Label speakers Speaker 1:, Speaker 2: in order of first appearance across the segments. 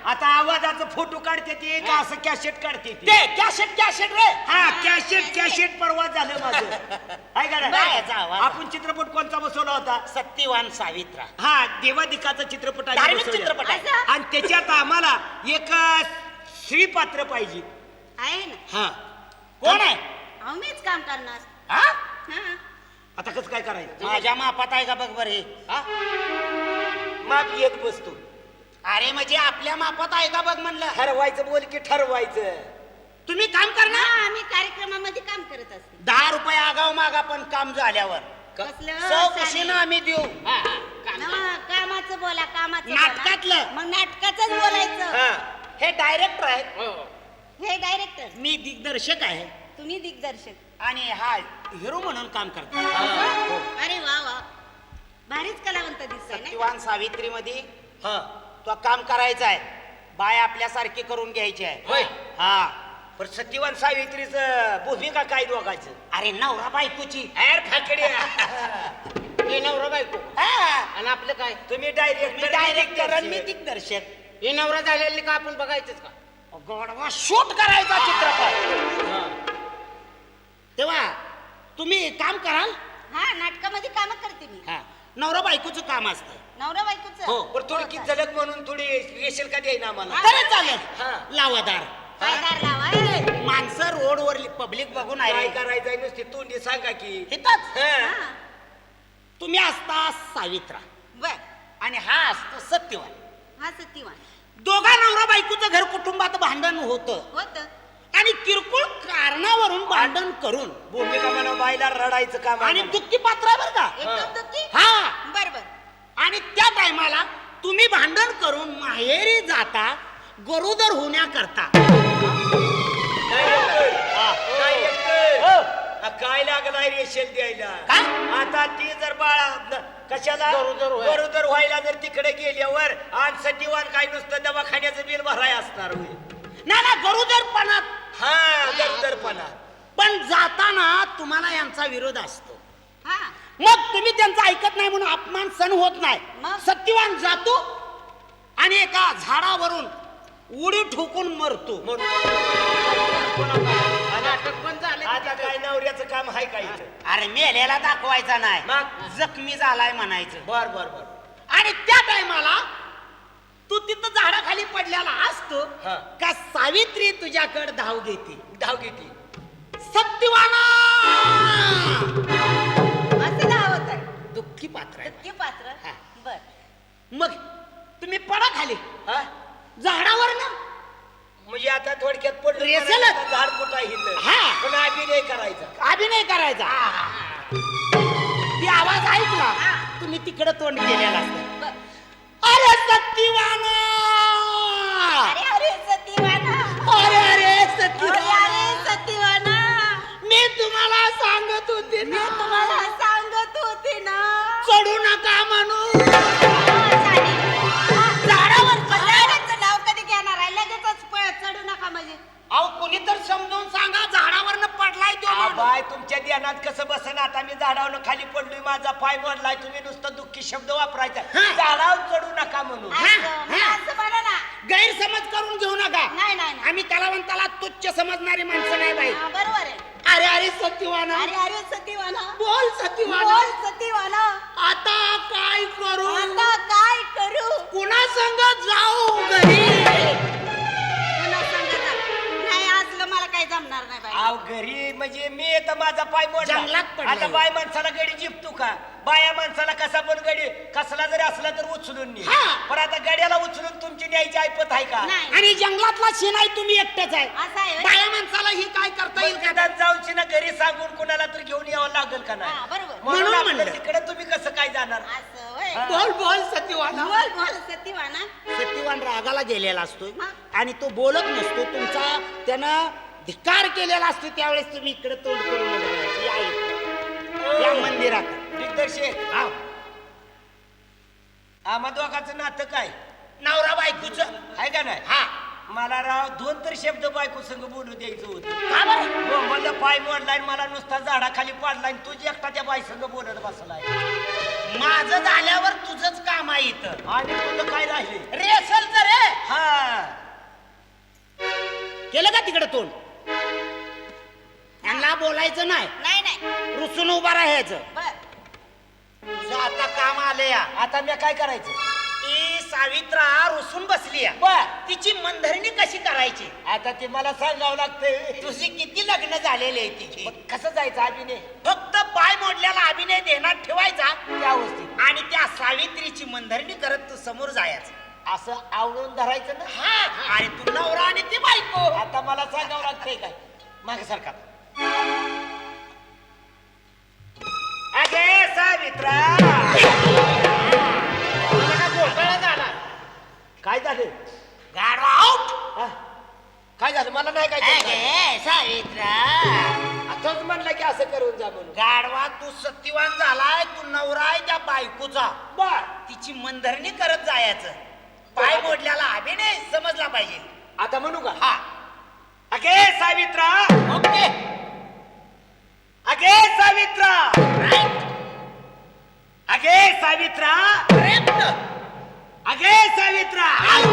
Speaker 1: आता आवाजाचं फोटो काढते ती का असं कॅसेट काढते ती?
Speaker 2: ते कॅसेट रे.
Speaker 1: हा कॅसेट परवा झालं माझं. आहे का नाही? आपण चित्रपट कोणता बसवला होता?
Speaker 2: सत्यवान सावित्रा.
Speaker 1: हा देवादिकाचा चित्रपट आहे,
Speaker 2: धार्मिक चित्रपट आहे.
Speaker 1: आणि त्याच्यात आम्हाला एक स्त्री पात्र पाहिजे
Speaker 3: आहे ना.
Speaker 1: हा
Speaker 2: कोण आहे?
Speaker 3: अहो मीच काम करणार.
Speaker 2: हा?
Speaker 3: हा.
Speaker 1: आता कसं काय करायचं?
Speaker 2: माझ्या मापात आहे का बघ बर हे.
Speaker 1: माप येत बसतो.
Speaker 2: अरे म्हणजे आपल्या मापात आहे का बघ म्हणलं.
Speaker 1: ठरवायचं बोल की ठरवायचं.
Speaker 2: तुम्ही काम करणार.
Speaker 3: हा, आम्ही कार्यक्रमामध्ये काम करत असते.
Speaker 2: 10 रुपये आगाव मागा पण काम झाल्यावर
Speaker 3: कसलं
Speaker 2: चौकशीनं आम्ही देऊ.
Speaker 3: कामाचं बोला, कामाचं बोला.
Speaker 2: नाटकातलं.
Speaker 3: मग नाटकाचंच बोलायचं.
Speaker 1: हा
Speaker 2: हे डायरेक्टर आहेत.
Speaker 3: हे डायरेक्टर,
Speaker 2: मी दिग्दर्शक आहे
Speaker 3: तुम्ही दिग्दर्शक.
Speaker 2: आणि हा हिरो म्हणून काम करतो.
Speaker 3: अरे वा वा, भारीच कलावंत दिसताय ना.
Speaker 2: सत्यवान सावित्री मध्ये
Speaker 1: हा
Speaker 2: तो काम करायचा आहे. बाय आपल्यासारखी करून घ्यायची आहे.
Speaker 1: होय.
Speaker 2: हा.
Speaker 1: पण सत्यवान सावित्रीच भूमिका काय दोघायचं?
Speaker 2: अरे नवरा बायकोची.
Speaker 1: एर फाकड्या.
Speaker 4: हे नवरा बायको
Speaker 2: हा.
Speaker 4: आणि आपलं काय?
Speaker 1: तुम्ही
Speaker 2: मी
Speaker 1: डायरेक्टर
Speaker 2: डायरेक्टर आणि मी दिग्दर्शक.
Speaker 4: हे नवरा झालेले का आपण बघायचंच का?
Speaker 2: गोडवा शूट करायचा चित्रपट. तेव्हा तुम्ही काम कराल.
Speaker 3: हा, नाटकामध्ये काम करते मी.
Speaker 2: हा. नवरा बायकोचं काम असतं.
Speaker 3: नवरा बायकोचं.
Speaker 2: हो.
Speaker 1: पण थोडी की झलक म्हणून थोडी रेशल का द्याय ना आम्हाला?
Speaker 2: तरी चालेल.
Speaker 1: हा.
Speaker 2: लावादार.
Speaker 3: पायदार लावा.
Speaker 2: माणसं रोडवर पब्लिक बघून
Speaker 1: काय
Speaker 2: आहे.
Speaker 1: करायचंय नुसती तोंडी सांगा की.
Speaker 2: इथंच.
Speaker 1: हा.
Speaker 3: हा.
Speaker 2: तुम्ही असता सावित्रा
Speaker 3: बर.
Speaker 2: आणि हा असतो सत्यवान.
Speaker 3: हा सत्यवान.
Speaker 2: दोघा नवरा बायकोचं घर कुटुंबात भांडण होतं
Speaker 3: होत.
Speaker 2: आणि किरकोळ कारणावरून भांडण करून
Speaker 1: भूमिका म्हणा बायला रडायचं काम आहे
Speaker 2: आणि
Speaker 1: म्हणा.
Speaker 2: दुःखी पात्र आहे बरं का.
Speaker 3: एकदम दुःखी.
Speaker 2: हा.
Speaker 3: बर बर.
Speaker 2: आणि त्या टायमाला तुम्ही भांडण करून माहेरी जाता गरोदर होण्याकरता.
Speaker 1: काय एकतर? काय लागलाय रेशेल द्यायला?
Speaker 2: काय?
Speaker 1: आता ती जर बाळा कशाला गरोदर व्हायला जर तिकडे गेल्यावर आणि सटीवान काय नुसतं दवाखान्याचं बिल भराय असणार होय.
Speaker 2: ना गरोदरपणात.
Speaker 1: हा गरोदरपणा.
Speaker 2: पण जाताना तुम्हाला यांचा विरोध असतो.
Speaker 3: हा.
Speaker 2: मग तुम्ही त्यांचं ऐकत नाही म्हणून अपमान सहन होत नाही.
Speaker 3: मग?
Speaker 2: सत्यवान जातो आणि एका झाडावरून उडी ठोकून मरतो.
Speaker 4: नाटक पण झालं.
Speaker 1: आता काय नवऱ्याचं काम आहे काय इथं?
Speaker 2: अरे मेल्याला दाखवायचा नाही,
Speaker 1: मग?
Speaker 2: जखमी झालाय म्हणायचं.
Speaker 1: बर बर बर.
Speaker 2: आणि त्या टायमाला तू तिथं झाडाखाली पडलेला असतो
Speaker 1: हा.
Speaker 2: का सावित्री तुझ्याकडे धाव घेते.
Speaker 1: धाव घेते.
Speaker 2: सत्यवाना
Speaker 3: असं धावत आहे.
Speaker 2: दुःखी पात्र आहे.
Speaker 3: दुःखी पात्र.
Speaker 2: हा.
Speaker 3: बर.
Speaker 2: मग तुम्ही पडा खाली
Speaker 1: हा?
Speaker 2: झाडावर ना.
Speaker 1: म्हणजे आता थोडक्यात पडलं
Speaker 2: रेसेल.
Speaker 1: म्हणायचं, झाड कुठं आहे इथं?
Speaker 2: हा.
Speaker 1: पण अभिनय करायचा.
Speaker 2: अभिनय करायचा. ती आवाज ऐकला तुम्ही तिकडे तोंड केलेला असतं.
Speaker 3: बर.
Speaker 2: अरे सत्यवाना.
Speaker 3: अरे अरे सत्यवाना.
Speaker 2: अरे अरे
Speaker 3: अरे
Speaker 2: सत्यवाना.
Speaker 3: अरे सत्यवाना.
Speaker 2: मी तुम्हाला सांगत होते
Speaker 3: मी
Speaker 2: ना,
Speaker 3: तुम्हाला सांगत होते ना.
Speaker 2: चढू नका म्हणून.
Speaker 3: झाडावर झाडाचं नाव कधी घेणार आहे? लगेचच चढू नका म्हणजे.
Speaker 2: अहो कोणी तर समजून सांगा, झाडावरनं पडलाय तो माणूस.
Speaker 1: बाय तुमच्या ध्यानात कसं बसन? आता मी झाडावर खाली पडलोय, माझा पाय मोडलाय, तुम्ही नुसतं दुःखी शब्द वापरायचा.
Speaker 2: हा.
Speaker 1: झाडावर चढू नका म्हणून.
Speaker 3: असं असं म्हणा ना.
Speaker 2: गैरसमज करून घेऊ नका.
Speaker 3: नाही नाही नाही.
Speaker 2: आम्ही कलावंताला तुच्छ समजणारी माणसं नाही बाई.
Speaker 3: हा, बरोबर आहे.
Speaker 2: अरे अरे सत्यवाना.
Speaker 3: अरे अरे सत्यवाना.
Speaker 2: बोल सत्यवाना.
Speaker 3: बोल सत्यवाना.
Speaker 2: आता काय करू?
Speaker 3: आता काय करू?
Speaker 2: कुणा संग जाऊ घरी?
Speaker 3: पुन्हा सांगा. नाही असलं मला काही जमणार नाही बाई.
Speaker 1: आव घरी म्हणजे मी तर माझा पाय मोडला.
Speaker 2: जंगलात पडलाय.
Speaker 1: आता बाय माणसाला गडी जिपतो का? बाया माणसाला कसा पण गडी कसला जरी असला तर उचलून ने.
Speaker 2: हा.
Speaker 1: पण आता गड्याला उचलून तुमची न्यायची ऐपत आहे का?
Speaker 3: नाही.
Speaker 2: आणि जंगलातला शिनाई तुम्ही एकटेच आहे.
Speaker 3: असं आहे होय?
Speaker 2: बाया माणसाला ही काय करता येईल का?
Speaker 1: मैदानात जाऊची ना घरी सांगून कुणाला तर घेऊन यावं लागेल का
Speaker 3: हा,
Speaker 1: नाही?
Speaker 3: बरोबर.
Speaker 2: म्हणून
Speaker 1: आपलं
Speaker 2: म्हणलं.
Speaker 1: तिकडे तुम्ही कसं काय जाणार?
Speaker 3: असं होय.
Speaker 1: हा.
Speaker 2: बोल बोल सत्यवाना.
Speaker 3: बोल बोल सत्यवाना.
Speaker 2: सत्यवान रागाला गेलेला असतो
Speaker 3: हा.
Speaker 2: आणि तो बोलत नसतो. तुमचा त्यानं धिक्कार केलेला असतो. त्यावेळेस तुम्ही इकडे तोंड करून बघायचं. या इकडे. या मंदिरात.
Speaker 1: दिग्दर्शक
Speaker 2: हा.
Speaker 1: आम्हा दोघांचं नातं काय
Speaker 2: नवरा बायकोचं.
Speaker 1: आहे का नाही?
Speaker 2: हा.
Speaker 1: मला राव 2 तर शब्द बायको संग बोलू द्यायचं होतं.
Speaker 2: का बरं?
Speaker 1: हो, मला पाय मोडलाय आणि मला नुसता झाडाखाली पाडलाय आणि तुझी एकटा त्या बाई संग बोलत बसलाय.
Speaker 2: माझं झाल्यावर तुझंच काम आहे इथं.
Speaker 1: आणि तुझं काय राहिले?
Speaker 2: रेसल तर रे.
Speaker 1: हा
Speaker 2: तिकडे तोंड. यांना बोलायचं नाही,
Speaker 3: नाही नाही
Speaker 2: रुसून उभा राहायचं.
Speaker 3: बर
Speaker 1: तुझं आता काम आलं या. आता मी काय करायचं?
Speaker 2: ती सावित्रा रुसून बसली आहे.
Speaker 1: बर.
Speaker 2: तिची मनधरणी कशी करायची?
Speaker 1: आता ते मला सांगावं लागतंय.
Speaker 2: तुझी किती लग्न झालेली आहे तिची?
Speaker 1: मग कसं जायचं अभिनय
Speaker 2: फक्त पाय मोडल्याला अभिनय देण्यात ठेवायचा
Speaker 1: त्या अवस्थेत
Speaker 2: आणि त्या सावित्रीची मनधरणी करत तू समोर जायचं.
Speaker 1: असं आवळून धरायचं ना.
Speaker 2: हा, आणि तू नवरा आणि ती बायको.
Speaker 1: आता मला सांगावं लागतंय काय? मागे सारखा.
Speaker 2: अगे सावित्रा,
Speaker 4: घोटाळा झाला.
Speaker 1: काय झालं?
Speaker 2: गाढवा आउट.
Speaker 1: हा? काय झालं? मला नाही काय कळलं.
Speaker 2: अगे सावित्रा,
Speaker 1: आताच म्हणलं की असं करून जा म्हणून.
Speaker 2: गाढवा तू सत्यवान झालाय, तू नवरा आहे त्या बायकोचा.
Speaker 1: बर.
Speaker 2: तिची मनधरणी करत जायचं. पाय मोडल्याला अभिनय समजला पाहिजे.
Speaker 1: आता म्हणू का?
Speaker 2: हा,
Speaker 1: अगे सावित्रा,
Speaker 2: ओके.
Speaker 1: अगे सावित्रा,
Speaker 2: राईट,
Speaker 1: अगे सावित्रा,
Speaker 2: करेक्ट.
Speaker 1: अगे सावित्रा.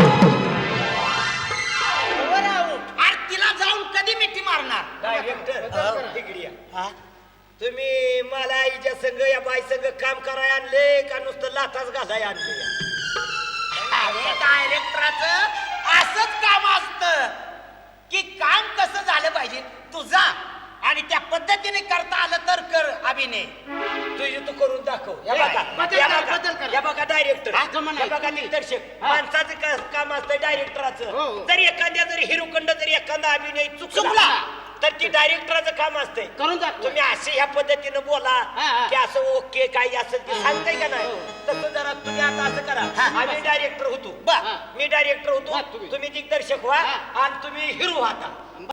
Speaker 4: वर आऊट.
Speaker 2: अरे तिला जाऊन कधी मिठी मारणार?
Speaker 1: डायरेक्टर तिकडे या.
Speaker 2: हा?
Speaker 1: तुम्ही मला हिच्या संघ या बाई संघ काम करायला आणले का नुसतं लाथाच घालाय आणले?
Speaker 2: अरे डायरेक्टराचं असंच काम असतं की काम कसं झालं पाहिजे तुझा, आणि त्या पद्धतीने करता आलं तर कर अभिनय.
Speaker 1: तुझी तू करून दाखव. या
Speaker 2: बदल
Speaker 1: बघा,
Speaker 4: करा,
Speaker 1: या
Speaker 4: बदल
Speaker 1: बघा,
Speaker 4: करा.
Speaker 1: या बघा डायरेक्टर,
Speaker 4: हा, जमलं
Speaker 1: या बघा
Speaker 4: तुम्ही.
Speaker 1: दिग्दर्शक.
Speaker 4: हा.
Speaker 1: माणसाचं काम असतं
Speaker 4: हो,
Speaker 1: डायरेक्टराचं.
Speaker 4: हो.
Speaker 1: जर एखाद्या जरी हिरोखंड जरी एखादा अभिनय
Speaker 2: चुकला.
Speaker 1: चुकला तर ती डायरेक्टराचं काम असतंय.
Speaker 4: करून दाखव.
Speaker 1: तुम्ही असे ह्या पद्धतीनं बोला
Speaker 4: हा, हा.
Speaker 1: की असं ओके काही असेल ते सांगताय का नाही?
Speaker 4: हो.
Speaker 1: तसं जरा तुम्ही आता असं करा.
Speaker 2: हा.
Speaker 1: आम्ही डायरेक्टर होतो,
Speaker 2: बर.
Speaker 4: हा.
Speaker 1: मी डायरेक्टर
Speaker 4: हा,
Speaker 1: होतो,
Speaker 4: तुम्ही.
Speaker 1: तुम्ही दिग्दर्शक व्हा
Speaker 4: हा.
Speaker 1: आणि तुम्ही हिरो आता.